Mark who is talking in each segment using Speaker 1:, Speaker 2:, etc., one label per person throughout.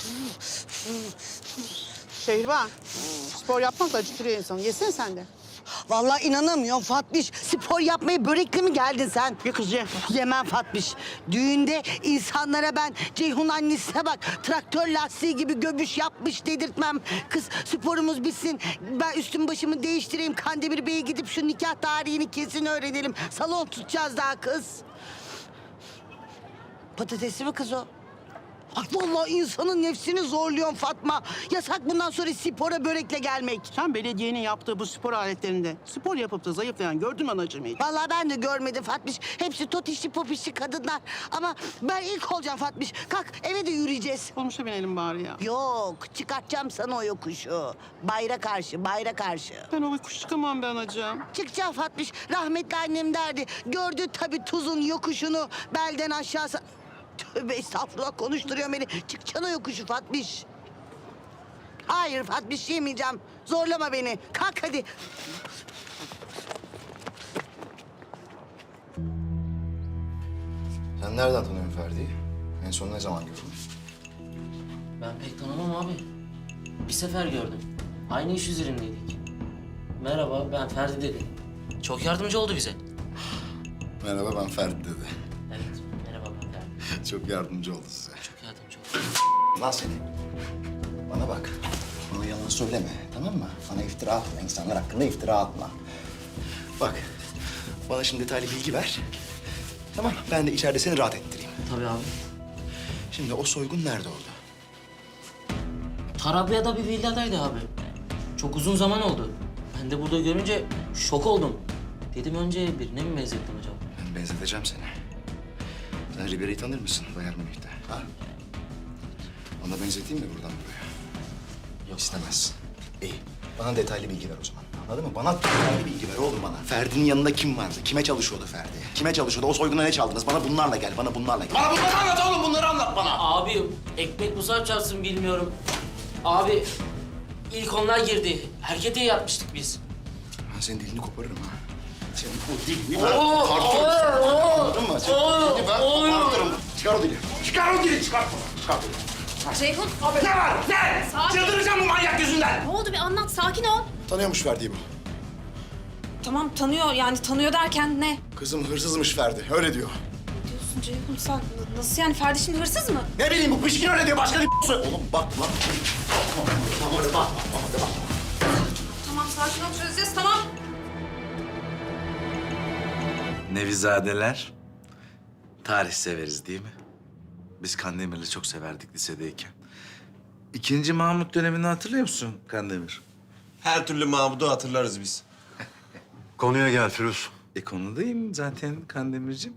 Speaker 1: Şehriban, spor yapmak da acıtırıyor insanı. Yesene sen de.
Speaker 2: Vallahi inanamıyorum Fatmiş. Spor yapmaya börekli mi geldin sen?
Speaker 1: Ye kız ye.
Speaker 2: Yemem Fatmiş. Düğünde insanlara ben Ceyhun annesine bak traktör lastiği gibi göbüş yapmış dedirtmem. Kız sporumuz bitsin. Ben üstüm başımı değiştireyim. Kandemir Bey'e gidip şu nikah tarihini kesin öğrenelim. Salon tutacağız daha kız. Patatesli mi kız o? Ay vallahi insanın nefsini zorluyorsun Fatma. Yasak bundan sonra spora börekle gelmek.
Speaker 1: Sen belediyenin yaptığı bu spor aletlerinde spor yapıp da zayıflayan gördün mü anacığım hiç?
Speaker 2: Vallahi ben de görmedim Fatmiş. Hepsi totişli popişli kadınlar. Ama ben ilk olacağım Fatmiş. Kalk eve de yürüyeceğiz.
Speaker 1: Olmuşa binelim bari ya.
Speaker 2: Yok çıkartacağım sana o yokuşu. Bayra karşı, bayra karşı.
Speaker 1: Ben o kuş çıkamam be anacığım.
Speaker 2: Çıkacağım Fatmiş. Rahmetli annem derdi. Gördü tabii tuzun yokuşunu belden aşağısı. Tövbe estağfurullah konuşturuyor beni. Çıkacaksın o yokuşu Fatmiş. Hayır Fatmiş yemeyeceğim. Zorlama beni. Kalk hadi.
Speaker 3: Sen nereden tanıyorsun Ferdi'yi? En son ne zaman gördün?
Speaker 4: Ben pek tanımam abi. Bir sefer gördüm. Aynı iş üzerindeydik. Merhaba, ben Ferdi dedi. Çok yardımcı oldu bize.
Speaker 3: Merhaba ben Ferdi dedi.
Speaker 4: Evet, merhaba ben Ferdi.
Speaker 3: Çok yardımcı oldu size.
Speaker 4: Çok yardımcı oldu.
Speaker 3: Lan seni. Bana bak. Bana yalan söyleme tamam mı? Bana iftira atma. İnsanlar hakkında iftira atma. Bak bana şimdi detaylı bilgi ver. Tamam ben de içeride seni rahat ettireyim.
Speaker 4: Tabii abi.
Speaker 3: Şimdi o soygun nerede oldu?
Speaker 4: Tarabya'da bir villadaydı abi. Çok uzun zaman oldu. Ben de burada görünce şok oldum. Dedim önce birine mi benzettim acaba?
Speaker 3: Ben benzeteceğim seni. Sen Ribery'i tanır mısın Bayern Münih'te? Ha? Ona benzeteyim mi buradan buraya?
Speaker 4: Yok.
Speaker 3: İstemez. İyi. Bana detaylı bilgi ver o zaman. Anladın mı? Bana detaylı bilgi ver oğlum bana. Ferdi'nin yanında kim vardı? Kime çalışıyordu Ferdi? Kime çalışıyordu? O soyguna ne çaldınız? Bana bunlarla gel. Bana bunlarla gel. Bana bunları anlat oğlum. Bunları anlat bana.
Speaker 4: Abi ekmek musar çarpsın bilmiyorum. Abi ilk onlar girdi. Harekete yatmıştık biz.
Speaker 3: Ben senin dilini koparırım ha. Senin o dilini ben kopartırım. Anladın mı? Senin o dilini ben kopartırım. Çıkar o dili. Çıkar o dili. Çıkart bunu. Çıkart onu.
Speaker 5: Ceyhun,
Speaker 3: Ne var? Ne?
Speaker 5: Sakin.
Speaker 3: Çıldıracağım bu manyak yüzünden.
Speaker 5: ne oldu bir anlat, sakin ol.
Speaker 3: Tanıyormuş Ferdi'yi bu.
Speaker 5: Tamam tanıyor, yani tanıyor derken ne?
Speaker 3: Kızım hırsızmış Ferdi. Öyle diyor.
Speaker 5: Ne diyorsun Ceyhun sen? Nasıl yani Ferdi şimdi hırsız mı?
Speaker 3: Ne bileyim bu pişkin öyle diyor. Başka bir söyle. Oğlum bak lan. Bak.
Speaker 5: Tamam sakin ol, çözeceğiz tamam.
Speaker 6: Nevizadeler, tarih severiz değil mi? Biz Kandemir'i çok severdik lisedeyken. İkinci Mahmut dönemini hatırlıyor musun Kandemir?
Speaker 7: Her türlü Mahmud'u hatırlarız biz.
Speaker 8: Konuya gel Firuz.
Speaker 6: Konudayım zaten Kandemir'cim.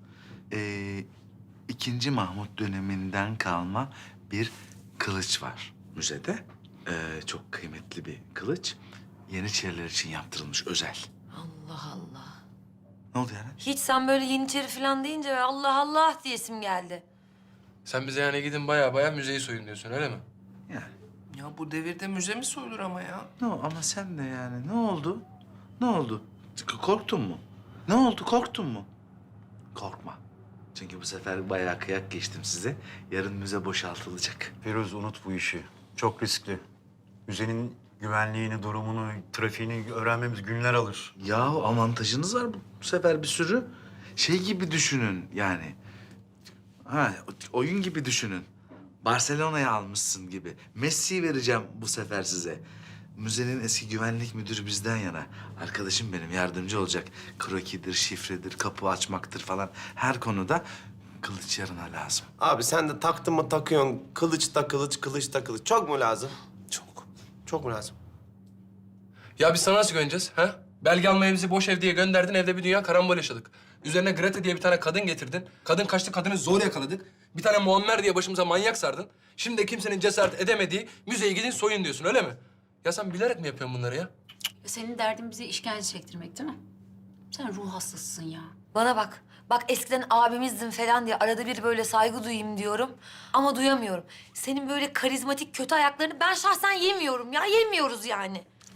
Speaker 6: İkinci Mahmut döneminden kalma bir kılıç var müzede. Çok kıymetli bir kılıç. Yeniçeriler için yaptırılmış özel.
Speaker 9: Allah Allah.
Speaker 6: Ne oldu yani?
Speaker 9: Hiç sen böyle Yeniçeri falan deyince Allah Allah diyesim geldi.
Speaker 7: Sen bize yani gidin baya müzeyi soyun diyorsun öyle mi?
Speaker 6: Yani.
Speaker 7: Ya bu devirde müze mi soyulur ama ya?
Speaker 6: Ama sen de yani ne oldu? Ne oldu? Korktun mu? Ne oldu? Korktun mu? Korkma. Çünkü bu sefer bayağı kıyak geçtim size. Yarın müze boşaltılacak.
Speaker 8: Firuz unut bu işi. Çok riskli. Müzenin güvenliğini, durumunu, trafiğini öğrenmemiz günler alır.
Speaker 6: Ya avantajınız var bu sefer bir sürü. Şey gibi düşünün yani. Ha, oyun gibi düşünün. Barcelona'ya almışsın gibi. Messi'yi vereceğim bu sefer size. Müzenin eski güvenlik müdürü bizden yana. Arkadaşım benim yardımcı olacak. Krokidir, şifredir, kapı açmaktır falan. Her konuda kılıç yarına lazım.
Speaker 7: Abi sen de taktın mı takıyorsun. Kılıç da kılıç, kılıç da kılıç. Çok mu lazım? Çok. Çok mu lazım?
Speaker 10: Ya biz sana nasıl güveneceğiz ha? Belge almaya bizi boş ev diye gönderdin, evde bir dünya karambol yaşadık. Üzerine Grete diye bir tane kadın getirdin. Kadın kaçtı, kadını zor yakaladık. Bir tane Muammer diye başımıza manyak sardın. Şimdi de kimsenin cesaret edemediği müzeye gidin soyun diyorsun öyle mi? Ya sen bilerek mi yapıyorsun bunları ya?
Speaker 5: Senin derdin bize işkence çektirmek değil mi? Sen ruh hastasısın ya.
Speaker 9: Bana bak. Bak eskiden abimizdin falan diye arada bir böyle saygı duyayım diyorum. Ama duyamıyorum. Senin böyle karizmatik kötü ayaklarını ben şahsen yemiyorum ya. Yemiyoruz yani.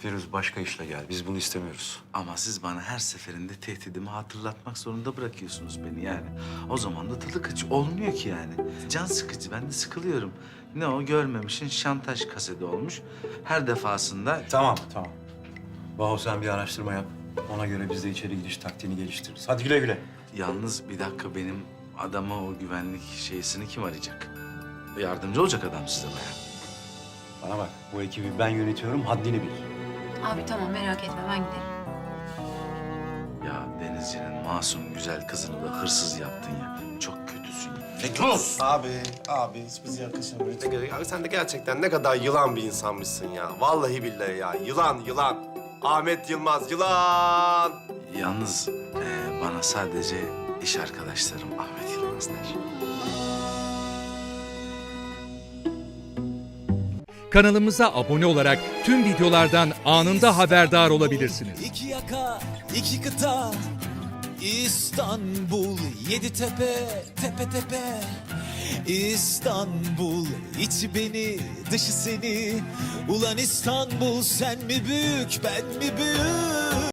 Speaker 8: Firuz başka işle gel. Biz bunu istemiyoruz.
Speaker 6: Ama siz bana her seferinde tehdidimi hatırlatmak zorunda bırakıyorsunuz beni yani. O zaman da tadı kaçı olmuyor ki yani. Can sıkıcı, ben de sıkılıyorum. Ne o görmemişin şantaj kaseti olmuş. Her defasında...
Speaker 8: Tamam. Baho sen bir araştırma yap. Ona göre biz de içeri gidiş taktiğini geliştiririz. Hadi güle güle.
Speaker 6: Yalnız bir dakika, benim adama o güvenlik şeysini kim arayacak? Yardımcı olacak adam size bayağı.
Speaker 8: Bana bak, bu ekibi ben yönetiyorum, haddini bil.
Speaker 5: Abi tamam merak etme ben giderim.
Speaker 6: Ya Denizci'nin masum güzel kızını da hırsız yaptın ya. Çok kötüsün ya.
Speaker 7: Abi hiç bize yakışamıyor. Ya sen de gerçekten ne kadar yılan bir insanmışsın ya. Vallahi billahi ya. Yılan. Ahmet Yılmaz, yılan.
Speaker 6: Yalnız bana sadece iş arkadaşlarım Ahmet Yılmaz der.
Speaker 11: Kanalımıza abone olarak tüm videolardan anında haberdar olabilirsiniz.
Speaker 12: İki yaka, iki kıta, İstanbul, yedi tepe, tepe tepe. İstanbul, içi beni, dışı seni. Ulan İstanbul, sen mi büyük, ben mi büyük?